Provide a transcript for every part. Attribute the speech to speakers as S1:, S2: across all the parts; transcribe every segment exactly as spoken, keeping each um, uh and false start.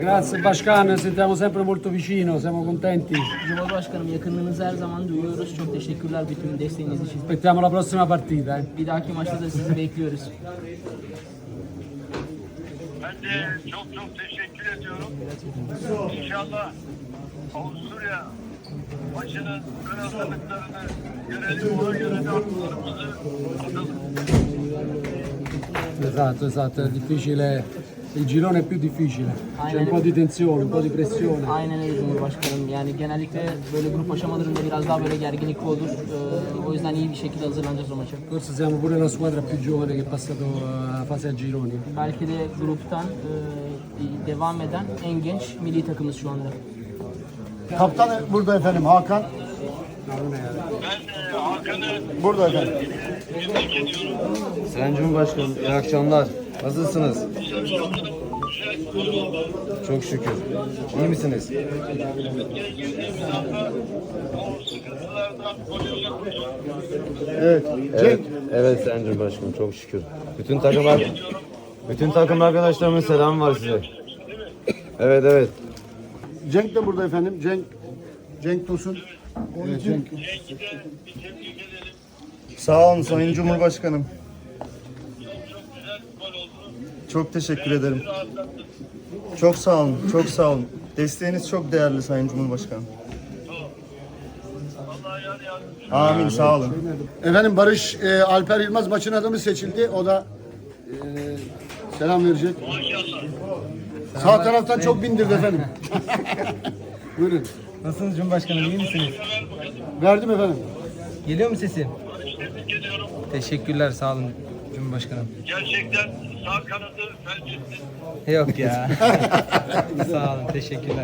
S1: Grazie Başkan, sentiamo sempre molto vicino, siamo contenti.
S2: Cumhurbaşkanım, yakınlığınızı her zaman duyuyoruz. Çok teşekkürler bütün desteğiniz için.
S1: Aspettiamo la prossima partita. Eh.
S2: Bir dahaki maçta da sizi bekliyoruz.
S3: Ben de çok çok teşekkür ediyorum. İnşallah Avusturya maçının ön hazırlıklarını görelim, ona göre de atlarımızı atalım.
S1: Esatto, esatto, è difficile, il girone è più difficile, c'è un po' di tensione, un po' di pressione.
S2: Aynen öyle Cumhurbaşkanım. Yani genellikle böyle grup aşamalarında biraz daha böyle gerginlik olur. Ee, o yüzden iyi bir şekilde hazırlanacağız o maça.
S1: Forse siamo pure la squadra più giovane che è passato a fase a gironi.
S2: Belki de gruptan e, devam eden en genç milli takımız şu anda.
S4: Kaptan burada efendim, Hakan.
S3: Ben e, Hakan'ı
S4: Burada efendim.
S3: tebrik ediyorum.
S5: Sayın Cumhurbaşkanım, iyi akşamlar. Nasılsınız? Çok şükür. İyi misiniz?
S3: Girdiğimiz anda o sıkıntılardan gol yiyoruz.
S4: Evet.
S5: Evet,
S4: Cenk.
S5: evet Sayın Cumhurbaşkanım, çok şükür. Bütün takımlar, bütün takım arkadaşlarımın selamı var size. Evet, evet.
S4: Cenk de burada efendim. Cenk. Cenk Tosun. Evet, Cenk.
S3: Cenk'i de bir tebrik edelim.
S6: Sağ olun Sayın Cumhurbaşkanım.
S3: Çok çok güzel bir gol oldu.
S6: Çok teşekkür ederim.
S3: Rahatlattı.
S6: Çok sağ olun, çok sağ olun. Desteğiniz çok değerli Sayın Cumhurbaşkanım.
S3: Allah yar yardımcı.
S6: Amin, sağ olun.
S4: Efendim Barış e, Alper Yılmaz maçın adamı seçildi. O da e, selam verecek.
S3: Maşallah.
S4: Sağ taraftan çok bindirdi efendim. Buyurun.
S7: Nasılsınız Cumhurbaşkanım, iyi misiniz?
S4: Verdim efendim.
S7: Geliyor mu sesim?
S3: Tebrik ediyorum.
S7: Teşekkürler, sağ olun Cumhurbaşkanım.
S3: Gerçekten sağ kanadı felç etti.
S7: Yok ya. Sağ olun, teşekkürler.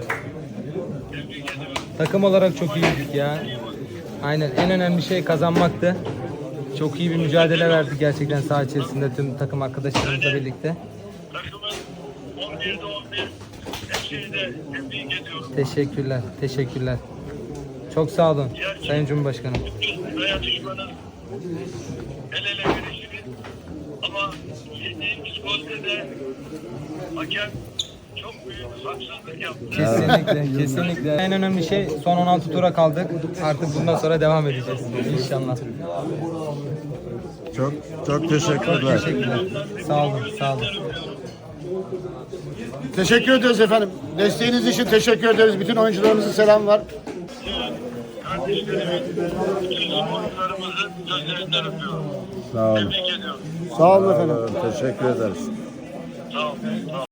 S7: Takım olarak çok iyiydik ya. Aynen, en önemli şey kazanmaktı. Çok iyi bir mücadele verdik gerçekten saha içerisinde tüm takım arkadaşlarımızla birlikte.
S3: Takımın on birde on bir hepsini de tebrik ediyorum.
S7: Teşekkürler, teşekkürler. Çok sağ olun Sayın Cumhurbaşkanım.
S3: Bütün dayanışmanın el ele verişiniz ama yediğimiz golde de hakem çok büyük haksızlık yaptı.
S7: Kesinlikle, kesinlikle. En önemli şey son on altı tura kaldık. Artık bundan sonra devam edeceğiz inşallah.
S6: Çok çok teşekkürler.
S7: Teşekkürler. Sağ olun, sağ olun.
S4: Teşekkür ederiz efendim. Desteğiniz için teşekkür ederiz. Bütün oyuncularımızın selam var.
S3: Kardeşlerimin, bütün sporcularımızın gözlerinden öpüyorum.
S6: Sağ olun.
S3: Tebrik ediyorum.
S4: Sağ olun efendim.
S6: Teşekkür ederiz.
S3: Sağ olun. Sağ olun.